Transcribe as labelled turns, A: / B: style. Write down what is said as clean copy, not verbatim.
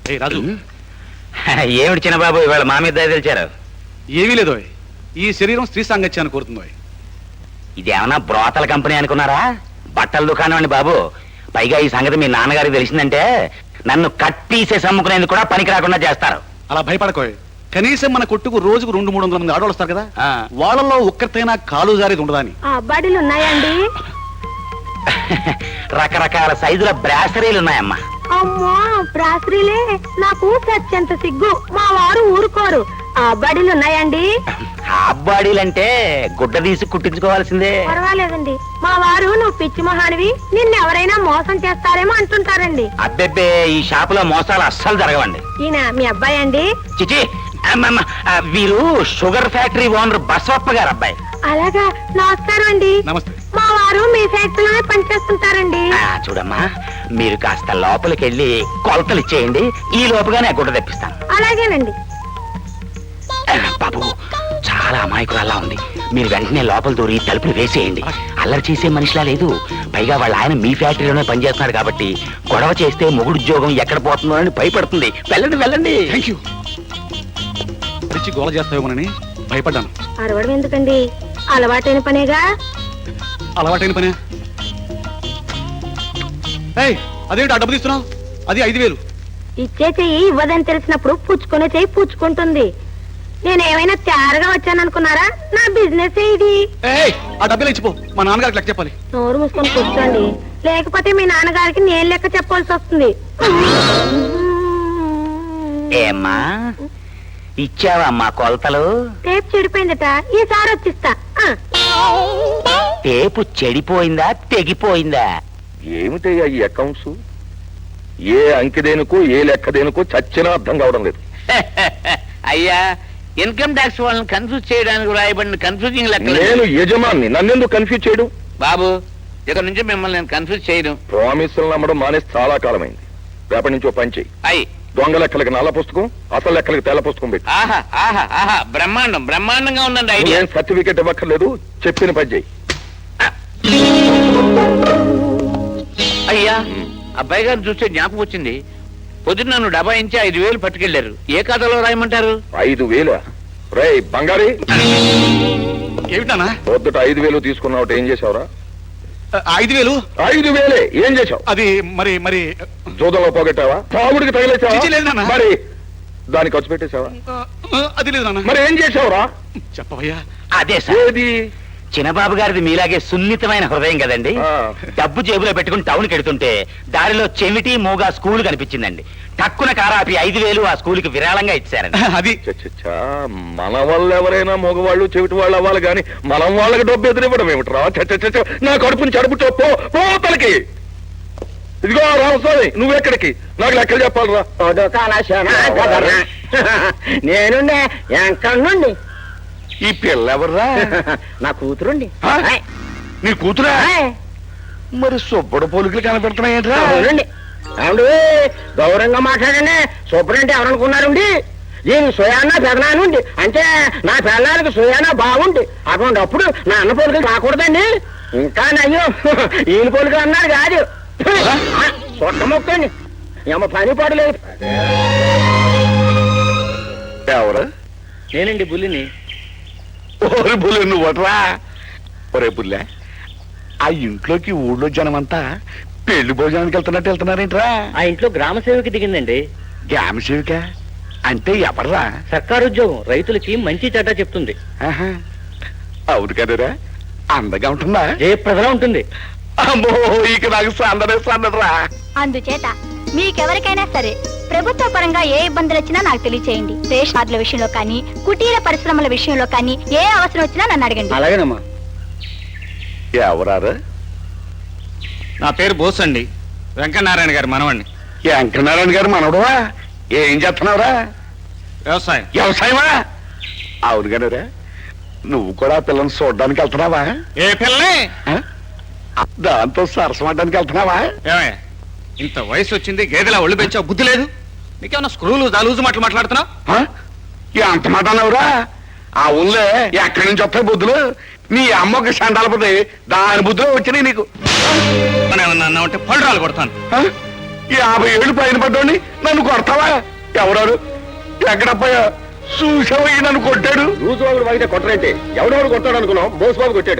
A: రాజు
B: ఏమిటి చిన్నబాబు ఇవాళ మా మీద దయ తెలిచారు?
A: ఏమీ లేదు. ఈ శరీరం స్త్రీ సాంగత్యాన్ని కోరుతుందో.
B: ఇదేమన్నా బ్రోతల కంపెనీ అనుకున్నారా? బట్టల దుకాణం అండి బాబు. పైగా ఈ సంగతి మీ నాన్నగారికి తెలిసిందంటే నన్ను కట్ పీసెస్ అమ్ముకునేందుకు కూడా పనికి రాకుండా చేస్తారు.
A: అలా భయపడకోయ్. కనీసం మన కొట్టుకు రోజుకు 200-300 మంది ఆడవాళ్ళు వస్తారు కదా, వాళ్ళలో ఒక్కరితైనా కాలు జారేది ఉండదా అని.
C: అబ్బాడీలు ఉన్నాయండి?
B: రకరకాల సైజుల బ్రాసరీలు ఉన్నాయమ్మా.
C: అమ్మా బ్రాసరీలే, నాకు సత్యంత సిగ్గు. మా వారు ఊరుకోరు. అబ్బాడీలు ఉన్నాయండి?
B: అబ్బాడీలంటే గుడ్డ తీసి కుట్టించుకోవాల్సిందే.
C: పర్వాలేదండి. మా వారు నువ్వు పిచ్చి మహానివి, నిన్నెవరైనా మోసం చేస్తారేమో అంటుంటారండి.
B: అబ్బెబ్బే, ఈ షాపులో మోసాలు అస్సలు జరగవండి.
C: ఈయన మీ అబ్బాయి అండి?
B: చిచి, వీరు షుగర్ ఫ్యాక్టరీ ఓనర్ బసవప్ప గారు అబ్బాయి.
C: అలాగా, నమస్కారం అండి.
A: నమస్తే.
C: మా వారు మీ ఫ్యాక్టరీలోనే పనిచేస్తుంటారండి.
B: చూడమ్మా, మీరు కాస్త లోపలికి వెళ్ళి కొలతలు ఇచ్చేయండి, ఈ లోపుగానే గుడ్డ తెప్పిస్తాను.
C: అలాగేనండి.
B: బాబు, చాలా అమాయకురాల్లా ఉంది. మీరు వెంటనే లోపల దూరి తలుపులు వేసేయండి. అల్లరి చేసే మనిషిలా లేదు. పైగా వాళ్ళ ఆయన మీ ఫ్యాక్టరీలోనే పనిచేస్తున్నాడు కాబట్టి గొడవ చేస్తే మొగుడు ఉద్యోగం ఎక్కడ పోతుందో అని భయపడుతుంది. వెళ్ళండి వెళ్ళండి.
A: Thank you. గోల చేస్తావేమోనని భయపడ్డాను.
C: అరవడం ఎందుకండి, అలవాటైన పనేగా.
A: అలవాటైన పనే. అదేంటి ఆ డబ్బు తీస్తున్నావు? అది 5,000.
C: ఇచ్చే చెయ్యి ఇవ్వదని తెలిసినప్పుడు పుచ్చుకునే చెయ్యి పుచ్చుకుంటుంది. నేనేమైనా తయారుగా వచ్చాననుకున్నారా? నా బిజినెస్ ఇది.
A: ఆ డబ్బులు ఇచ్చిపో, మా నాన్నగారికి లెక్క చెప్పాలి.
C: నోరు మూసుకొని కూర్చోండి, లేకపోతే మీ నాన్నగారికి నేను లెక్క చెప్పాల్సి వస్తుంది.
B: ఏమ్మా, ఇచ్చావమ్మా కొలతలు?
C: టేప్ చెడిపోయిందట, ఈసారి వచ్చిస్తా.
B: టేపు చెడిపోయిందా తెగిపోయిందా?
D: ఏమిటయ్యా ఈ అకౌంట్స్? ఏ అంకెదేనుకో ఏ లెక్కదేనుకో చచ్చినా అర్థం కావడం లేదు.
B: అయ్యా, ఇన్కమ్ ట్యాక్స్ వాళ్ళని కన్ఫ్యూజ్ చేయడానికి రాయబడిన కన్ఫ్యూజింగ్ లెక్క.
D: నేను యజమాన్ని, నన్నెందుకు కన్ఫ్యూజ్ చేయడం?
B: బాబు, ఇక్కడ నుంచి మిమ్మల్ని నేను కన్ఫ్యూజ్ చేయడం.
D: ప్రామిసులు నమ్మడం మానేసి చాలా కాలమైంది. రేపటి నుంచి ఓ పని చెయ్యి.
B: అయ్యి,
D: దొంగ లెక్కలకి నల్ల పుస్తకం, అసలు లెక్కలకి తెల్ల పుస్తకం పెట్టి.
B: ఆహా ఆహా ఆహా, బ్రహ్మాండం బ్రహ్మాండంగా ఉందండి ఐడియా.
D: ఏం సర్టిఫికెట్ ఇవ్వక్కర్లేదు, చెప్పిన పని చెయ్యి.
B: అయ్యా, అబ్బాయి గారిని చూస్తే జ్ఞాపకం వచ్చింది. పొద్దున్న నన్ను డబాయించి 5,000 పట్టుకెళ్లారు. ఏ ఖాతాలో రాయమంటారు?
D: 5,000? రే బంగారీ,
A: ఏమిటానా
D: పొద్దుట 5,000 తీసుకున్నావు, ఏం చేసావురా?
A: 5,000?
D: 5,000 ఏం చేసావు?
A: అది మరి మరి
D: జూదంలో పోగొట్టావా? తాగుడికి
A: చిచి, లేదు నాన్న.
D: తగిలేసావా? మరి దానికి ఖర్చు పెట్టేశావా?
A: అది లేదు నాన్న.
D: మరి ఏం చేసావురా?
A: చెప్పవయ్యా.
B: అదే సార్,
D: ఏది?
B: చిన్నబాబు గారిది మీలాగే సున్నితమైన హృదయం కదండి. డబ్బు జేబులో పెట్టుకుని టౌన్కి వెడుతుంటే దారిలో చెవిటి మూగా స్కూల్ కనిపించిందండి. టక్కున కారాపి 5,000 ఆ స్కూల్కి విరాళంగా ఇచ్చారండి.
A: అది
D: మన వాళ్ళు ఎవరైనా మగవాళ్ళు చెవిటి వాళ్ళు అవ్వాలి కానీ మనం వాళ్ళకి డబ్బు ఎదురివ్వడం ఏమిట్రా? నా కడుపుని చడుపుతో పోతలకి. ఇదిగో రామస్వామి, నువ్వెక్కడికి? నాకు లెక్కలు చెప్పాలరా.
E: నేను ఎక్కడి నుండి.
D: ఈ పిల్ల ఎవర్రా?
E: నా కూతురుండి.
D: నీ కూతురా? మరి సుబ్బడు పోలికలు కనపెడుతున్నాయేంట్రా?
E: అవునండి. అవును, గౌరవంగా మాట్లాడండి. సూపరంటే ఎవరనుకున్నారండి? దీని సుయానా పెదనానుండి, అంటే నా పిల్లలకి సుయానా బాగుండి. అటువంటిప్పుడు నా అన్న పోలికలు రాకూడదండి. ఇంకా నయ్యో ఈయన పోలికలు అన్నారు కాదు, సొట్ట మొక్కండి. ఏమో పని పడలేదు.
D: ఎవరు?
E: నేనండి బుల్లిని.
D: ఓరి బుల్లి, నువ్వట్రా? ఒరే బుల్లె, ఆ ఇంట్లోకి ఊళ్ళో జనమంతా పెళ్లి భోజనానికి వెళ్తున్నారేంట్రా?
E: ఆ ఇంట్లో గ్రామ సేవకి దిగిందండి.
D: గ్రామ సేవిక అంటే ఎవర్రా?
E: సర్కారు ఉద్యోగం, రైతులకి మంచి చెడ్డ చెప్తుంది.
D: అవును కదరా, అందగా ఉంటుందా?
E: జయప్రదలా ఉంటుంది.
D: అమ్మో, ఇక నాకు సందరా.
F: అందుచేత మీకెవరికైనా సరే ప్రభుత్వ పరంగా ఏ ఇబ్బందులు వచ్చినా నాకు తెలియచేయండి. రేషన్ కార్డుల విషయంలో కానీ, కుటీర పరిశ్రమల విషయంలో కానీ ఏ అవసరం వచ్చినా నన్ను అడగండి.
E: అలాగేనమ్మా.
D: ఎవరారు?
A: నా పేరు బోస్ అండి, వెంకటనారాయణ గారు మనవండి.
D: వెంకటనారాయణ గారు మనవడువా? ఏం చేస్తున్నావురా?
A: వ్యవసాయం.
D: వ్యవసాయమా? అవును కదరా, నువ్వు కూడా పిల్లల్ని చూడడానికి వెళ్తున్నావా?
A: ఏ పిల్లని?
D: దాంతో సరసమడ్డానికి వెళ్తున్నావా?
A: ఏమయ్య, ఇంత వయసు వచ్చింది, గేదెలా ఒళ్ళు పెంచావు, బుద్ధి లేదు నీకేమన్నా? స్క్రూలు దాలూజు మాటలు మాట్లాడుతున్నావు?
D: అంత మాట అన్నావురా? ఆ ఊళ్ళో ఎక్కడి నుంచి వస్తాయి బుద్ధులు? నీ అమ్మకి సండాలపోతే దాని బుద్ధులు వచ్చినాయి నీకు.
A: ఏమన్నా అన్నా ఉంటే పళ్ళు రాలు కొడతాను.
D: 50 ఏళ్ళు పైన పడ్డోని నన్ను కొడతావా? ఎవరాడు? ఎక్కడప్పయ్యా? చూసావయ్యి నన్ను కొట్టాడు.
E: రోజు వాళ్ళు వాగితే కొట్టరంటే ఎవడెవడు కొట్టాడు అనుకున్నాం? బోసుబాబు కొట్టాడు.